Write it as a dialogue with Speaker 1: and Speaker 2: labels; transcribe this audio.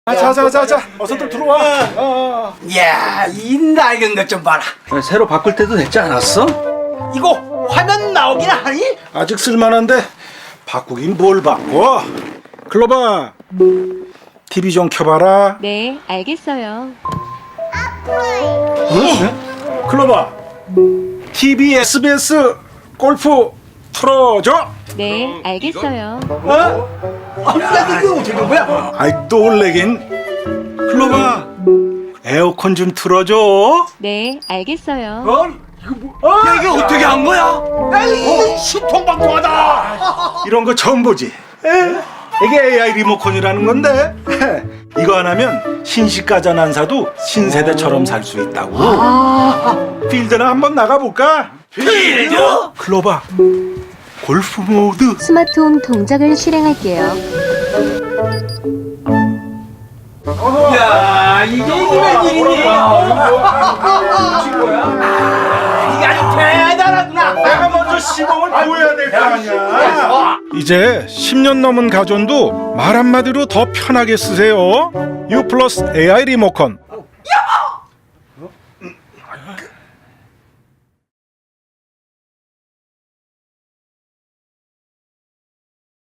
Speaker 1: 자, 어서들 들어와.
Speaker 2: 이야, 이 낡은 것 좀 봐라.
Speaker 3: 새로 바꿀 때도 됐지 않았어?
Speaker 2: 이거 화면 나오긴 하니?
Speaker 1: 아직 쓸만한데 바꾸긴 뭘 바꿔? 클로바, TV 좀 켜봐라.
Speaker 4: 네, 알겠어요.
Speaker 1: 응? 클로바, TV SBS 골프 틀어줘.
Speaker 4: 네, 알겠어요.
Speaker 2: 이게 어떻게 된 거야?
Speaker 1: 아이 또 올래긴. 클로바, 에어컨 좀 틀어줘.
Speaker 4: 네, 알겠어요.
Speaker 2: 야, 이게 어떻게 한 거야? 야, 이거 신통방통하다.
Speaker 1: 이런 거 처음 보지. 이게 AI 리모컨이라는 건데 이거 안 하면 신시가전 안 사도 신세대처럼 살 수 있다고. 필드나 한번 나가볼까?
Speaker 2: 필드?
Speaker 1: 클로바, 골프 모드.
Speaker 4: 스마트홈 동작을 실행할게요.
Speaker 2: 야, 이게 웬일이니? 이게 아주 대단하구나.
Speaker 1: 내가 먼저 시범을 보여야 될 거 아니야. 이제 10년 넘은 가전도 말 한마디로 더 편하게 쓰세요. U 플러스 AI 리모컨.